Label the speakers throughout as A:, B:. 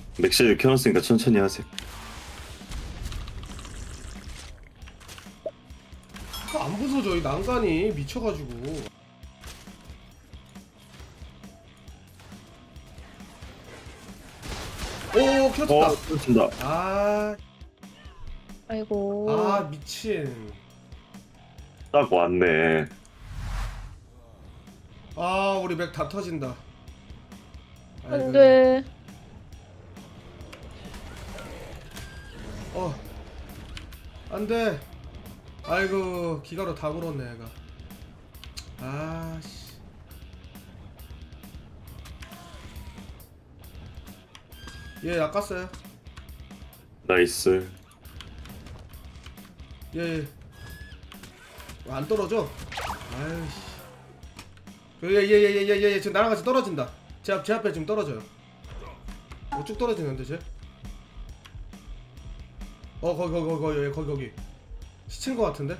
A: 맥시를 켜놨으니까 천천히 하세요.
B: 안 부서져 이 난간이 미쳐가지고. 오 켜졌다.
A: 그렇습니다.
B: 아,
C: 아이고.
B: 아 미친.
A: 딱 왔네.
B: 아 우리 맥 다 터진다. 아이고.
C: 안돼.
B: 안돼. 아이고 기가로 다 물었네 얘가. 아씨. 얘 낚았어요.
A: 나이스.
B: 얘. 안 떨어져? 아이씨. 얘 지금 나랑 같이 떨어진다. 제 앞에 지금 떨어져요. 쭉 떨어지는데 쟤? 거기 시친 거 같은데?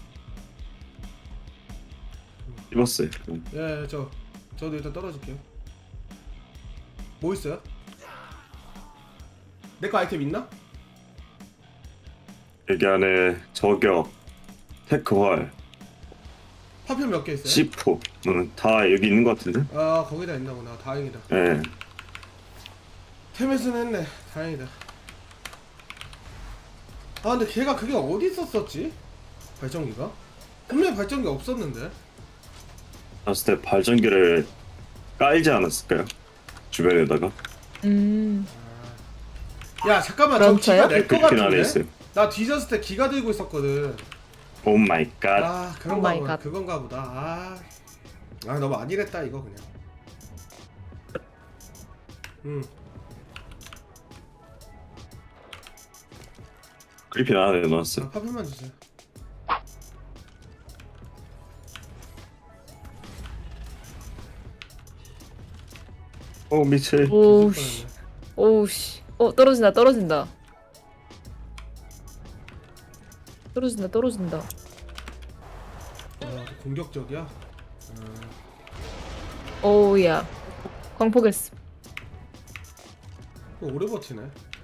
A: 입었어요.
B: 예, 저도 일단 떨어질게요. 뭐 있어요? 내 거 아이템 있나?
A: 여기 안에 저격, 테크활,
B: 파편 몇 개 있어요?
A: C4, 다 여기 있는 것 같은데?
B: 아, 거기다 있나 보다. 다행이다.
A: 예.
B: 테메스는 했네. 다행이다. 아, 근데 걔가 그게 어디 있었었지? 발전기가? 분명히 발전기 없었는데.
A: 봤을 때 발전기를 깔지 않았을까요? 주변에다가.
B: 야, 잠깐만. 저
C: 그런가요?
B: 기가 내 거
A: 그렇긴 안에
B: 같은데?
A: 있어요.
B: 나 뒤졌을 때 기가 들고 있었거든.
A: 오 마이 갓.
B: 아,
C: 오
B: 그런가
C: 마이
B: 보다.
C: 갓.
B: 그건가 보다. 너무 안일했다 이거 그냥.
A: 그리핀 안에 넣었어요.
B: 파편만 주세요.
A: 오 미칠.
C: 오우씨. 오우씨. 떨어진다. 떨어진다.
B: 공격적이야?
C: 오우야. 광폭했어.
B: 오래 버티네.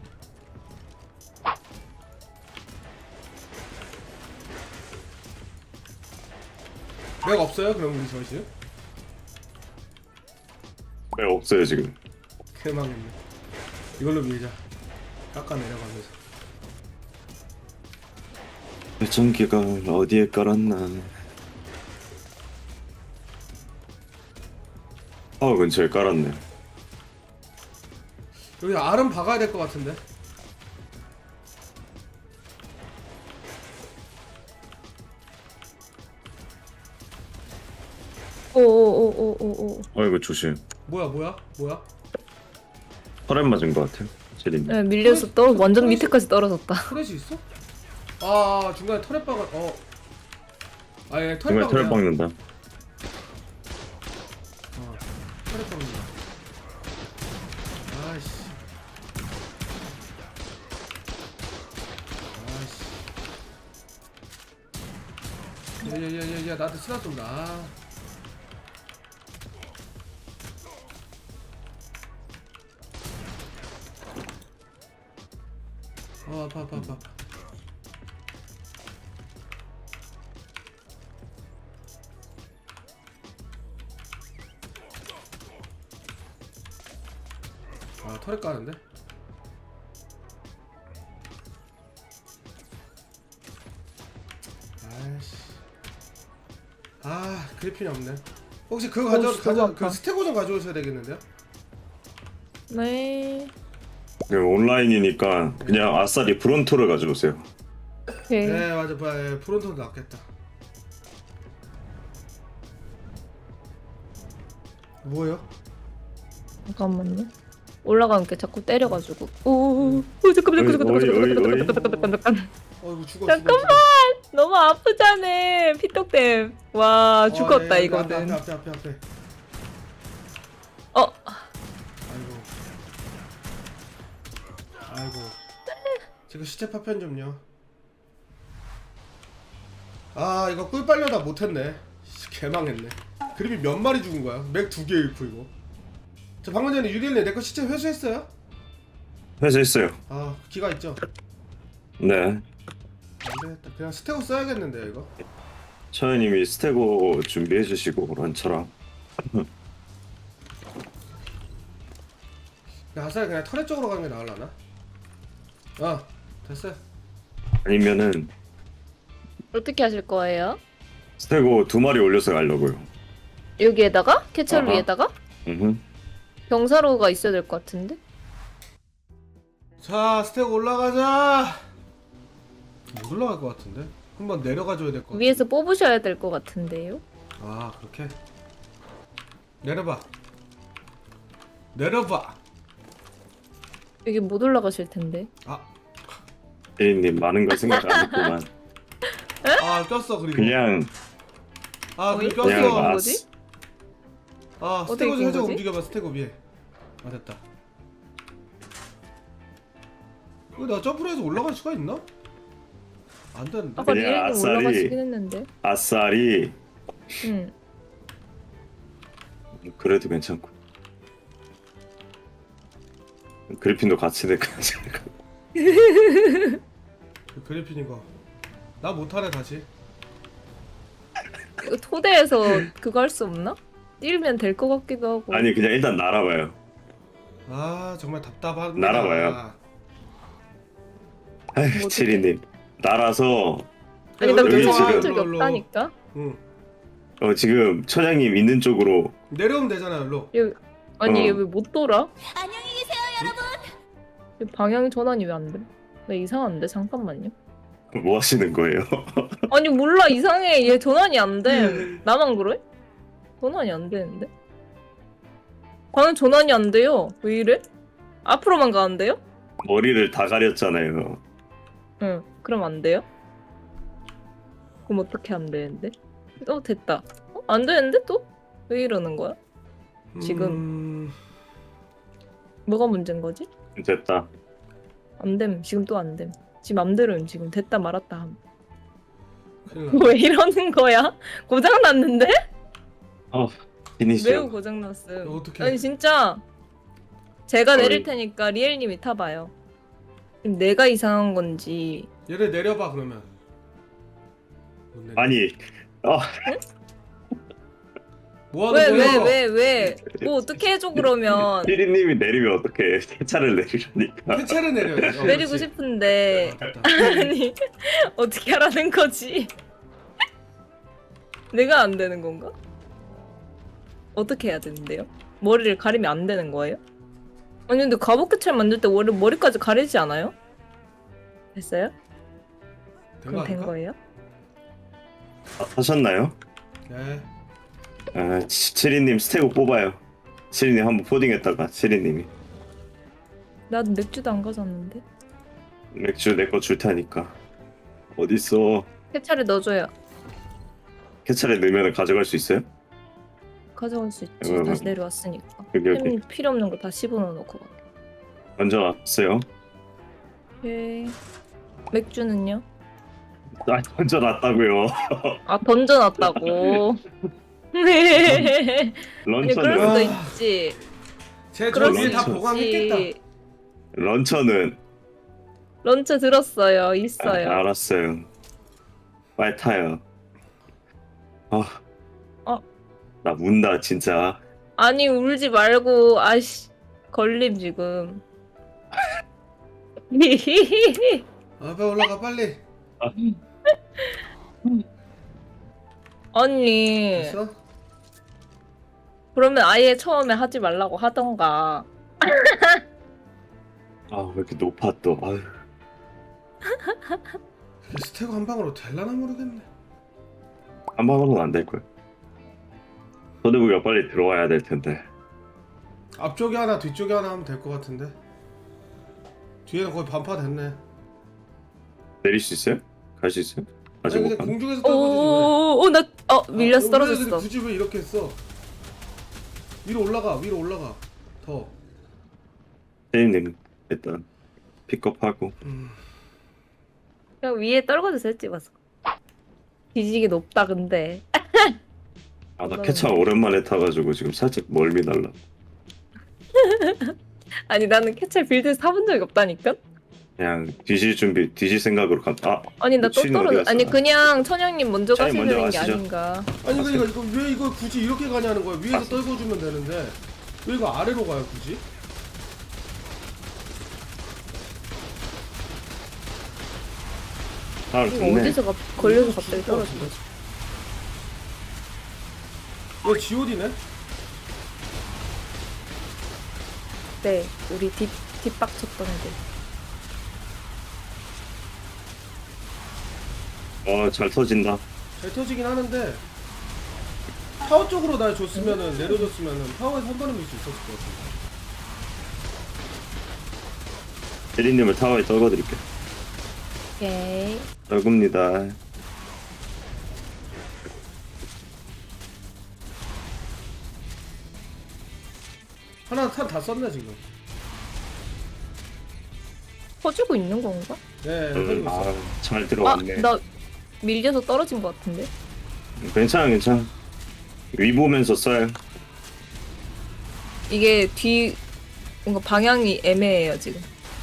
B: 맥 없어요? 그럼 우리 저시?
A: 왜 없어요 지금?
B: 개망했네. 이걸로 밀자. 깎아 내려가면서.
A: 발전기가 어디에 깔았나? 근처에 깔았네.
B: 여기 알은 박아야 될 것 같은데.
C: 오오오오오오.
A: 이거 조심.
B: 뭐야?
A: 털에 맞은 것 같아요. 제리님.
C: 네, 밀려서 완전 밑에까지 떨어졌다.
B: 터렛이 있어? 아 중간에 터렛 박아. 아예 터렛
A: 정말 털을
B: 박아.
A: 박는다.
B: 터렛 박는다. 아이씨. 야야야야 나한테 스나 쏜다. 아파. 터렛 까는데? 아이씨. 그리핀이 없네. 혹시 그거 가져 그 스테고 좀 가져오셔야 되겠는데요?
C: 네.
A: 온라인이니까 그냥 아싸리 브론토를 가져오세요.
C: 오케이.
B: 네 맞아. 프론트도 낫겠다. 뭐예요?
C: 잠깐만요. 올라가니까 자꾸 때려가지고. 오 잠깐만.
B: 이거 죽어.
C: 잠깐만. 너무 아프잖아. 피떡댐. 와 죽었다 이거는.
B: 앞에.
C: 어.
B: 아이고. 지금 시체 파편 좀요. 이거 꿀 빨려다 못했네. 개망했네. 그림이 몇 마리 죽은 거야? 맥 2개 잃고 이거. 저 방금 전에 유리엘님 내 거 시체 회수했어요?
A: 회수했어요.
B: 아 기가 있죠.
A: 네.
B: 안 되겠다. 그냥 스테고 써야겠는데 이거.
A: 처연님이 스테고 준비해 주시고 런처랑.
B: 아싸리 그냥 터렛 쪽으로 가는 게 나을라나? 아 됐어요.
A: 아니면은
C: 어떻게 하실 거예요?
A: 스테고 2마리 올려서 가려고요.
C: 여기에다가? 캐철
A: 아하.
C: 위에다가?
A: 음.
C: 병사로가 있어야 될 것 같은데?
B: 자 스테고 올라가자. 못 올라갈 것 같은데? 한번 내려가줘야 될 것 같아.
C: 위에서 뽑으셔야 될 것 같은데요?
B: 아 그렇게? 내려봐. 내려봐.
C: 여기 못 올라가실 텐데.
B: 아,
A: 대리님 많은 걸 생각 안 했구만.
B: 아 꼈어 그리고.
A: 그냥
B: 아
C: 어이?
B: 그리고
A: 그냥
B: 꼈어.
C: 아,
A: 아,
C: 거지?
B: 아
C: 어떻게
B: 스테고 좀
C: 낀
B: 살짝
C: 거지?
B: 움직여봐. 스테고 위에. 아 됐다. 이거 나 점프로 해서 올라갈 수가 있나? 안 되는데.
C: 아까
A: 그냥
C: 리엘님
A: 아싸리.
C: 올라가시긴 했는데.
A: 아싸리.
C: 응.
A: 그래도 괜찮고. 그리핀도 같이 될까?
B: 그 그리핀 이거. 나 못하네 다시.
C: 이거 토대에서 그거 할 수 없나? 뛰면 될 것 같기도 하고.
A: 아니 그냥 일단 날아봐요.
B: 아 정말 답답하네.
A: 날아봐요. 아휴
C: 어떡해.
A: 치리님 날아서
C: 아니 나
A: 여기
C: 그거
A: 지금-
C: 한 적이
B: 일로.
C: 없다니까.
B: 응.
A: 지금 처장님 있는 쪽으로
B: 내려오면 되잖아 일로.
C: 여기 아니
A: 어.
C: 얘 왜 못 돌아?
D: 안녕히 계세요, 여러분.
C: 얘 방향 전환이 왜 안 돼? 나 이상한데 잠깐만요.
A: 뭐 하시는 거예요?
C: 아니 몰라 이상해 얘 전환이 안 돼. 나만 그래? 전환이 안 되는데? 방향 전환이 안 돼요. 왜 이래? 앞으로만 가는데요?
A: 머리를 다 가렸잖아요.
C: 응. 그럼 안 돼요? 그럼 어떻게 안 되는데? 됐다. 안 되는데 또? 왜 이러는 거야? 지금. 뭐가 문제인 거지?
A: 됐다.
C: 안 됨. 지금 또 안 됨. 지금 맘대로 지금 됐다 말았다 함.
B: 큰일 나.
C: 왜 이러는 거야? 고장 났는데?
A: 피니시요.
C: 매우 고장 났음.
B: 어떡해.
C: 아니 진짜 제가 내릴
A: 어이.
C: 테니까 리엘님이 타봐요. 지금 내가 이상한 건지.
B: 얘를 내려봐 그러면. 못 내려.
A: 아니
B: 뭐 하는 거야?
C: 왜? 뭐 어떻게 해줘 그러면.
A: 피디님이 내리면 어떡해. 세차를 내리라니까.
B: 폐차를 내려야지.
C: 내리고
B: 그렇지.
C: 싶은데
B: 아, 됐다.
C: 아니 어떻게 하라는 거지? 내가 안 되는 건가? 어떻게 해야 되는데요? 머리를 가리면 안 되는 거예요? 아니 근데 가부키철 만들 때 머리까지 가리지 않아요? 됐어요?
B: 된거
C: 그럼 된
B: 아닐까?
C: 거예요?
A: 하셨나요?
B: 네.
A: 치리님 스테고 뽑아요. 치리님 한번 포딩했다가 치리님이
C: 나도 맥주도 안 가져왔는데.
A: 맥주 내 거 줄 테니까. 어딨어?
C: 캐차를 넣어줘요.
A: 캐찰에 넣으면 가져갈 수 있어요?
C: 가져갈 수 있지.
A: 응.
C: 다시 내려왔으니까.
A: 여기
C: 햄 필요 없는 거 다 씹어넣어놓고 가.
A: 먼저 놨어요.
C: 오케이. 맥주는요?
A: 먼저 놨다고요.
C: 아 던져놨다고. 네. 아니 그럴
A: 런처는
C: 수도
B: 아.
C: 있지.
B: 쟤저
C: 그럴
B: 위에
C: 수
B: 다 보강했겠다.
C: 있지.
A: 런처는
C: 런처 들었어요. 있어요.
A: 알았어요. 빨리 타요. 나 운다 진짜.
C: 아니 울지 말고 아씨 걸림 지금.
B: 앞에 올라가 빨리.
C: 아니
B: 됐어?
C: 그러면 아예 처음에 하지 말라고 하던가.
A: 왜 이렇게 높아 또. 아유.
B: 이게 스테고 한 방으로 될라나 모르겠네.
A: 한 방으로는 안 될 거야. 소대부가 빨리 들어와야 될 텐데.
B: 앞쪽에 하나 뒤쪽에 하나 하면 될 것 같은데. 뒤에는 거의 반파 됐네.
A: 내릴 수 있어요? 갈 수 있어요? 아직
B: 아니
A: 못
B: 그냥
A: 가.
B: 공중에서 떨어지지
C: 오나 밀려서
B: 왜.
C: 떨어졌어.
B: 굳이 왜 이렇게 했어? 위로 올라가 더.
A: 대리님 일단 픽업하고.
C: 그냥 위에 떨궈주세요 찍어서. 뒤지게 높다 근데.
A: 나 캐차 오랜만에 타가지고 지금 살짝 멀미 날라.
C: 아니 나는 캐찰 빌드 사본 적이 없다니까?
A: 그냥 뒤질 생각으로 아,
C: 아니 나 또
A: 미친 어디
C: 떨어져.
A: 갔어?
C: 아니 그냥 천양님 먼저
A: 차이
C: 가시면
A: 먼저
C: 되는 게
A: 가시죠.
C: 아닌가.
B: 아니 그러니까 이거 왜 이걸 굳이 이렇게 가냐는 거야. 위에서
A: 맞습니다.
B: 떨궈주면 되는데 왜 이거 아래로 가요 굳이?
A: 아,
C: 이거
A: 좋네.
C: 어디서 걸려서 갑자기 떨어진 거지?
B: 이거 G.O.D네?
C: 네, 우리 뒷박 쳤던 데.
A: 잘 터진다.
B: 잘 터지긴 하는데 타워 쪽으로 날 줬으면은 내려줬으면은 타워에서 한 번에 밀 수 있었을 것 같은데.
A: 대리님을 타워에 떨궈드릴게요.
C: 오케이.
A: 떨굽니다.
B: 하나 탄 다 썼네 지금.
C: 퍼주고 있는 건가?
B: 네, 터지고 있어.
A: 잘
C: 아,
A: 들어왔네.
C: 나 밀려서 떨어진 것 같은데?
A: 괜찮아. 위 보면서 써요.
C: 이게 뒤 뭔가 방향이 애매해요 지금.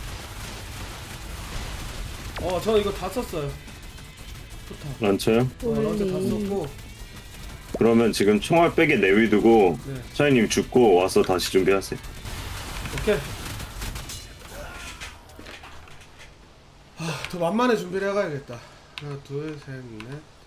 B: 저 이거 다 썼어요. 좋다.
A: 런처요?
B: 런처 다
C: 올리.
B: 썼고.
A: 그러면 지금 총알 백에 내비두고
B: 네.
A: 차이님 죽고 와서 다시 준비하세요.
B: 오케이. 더 만만해 준비를 해가야겠다. 하나, 둘, 셋, 넷.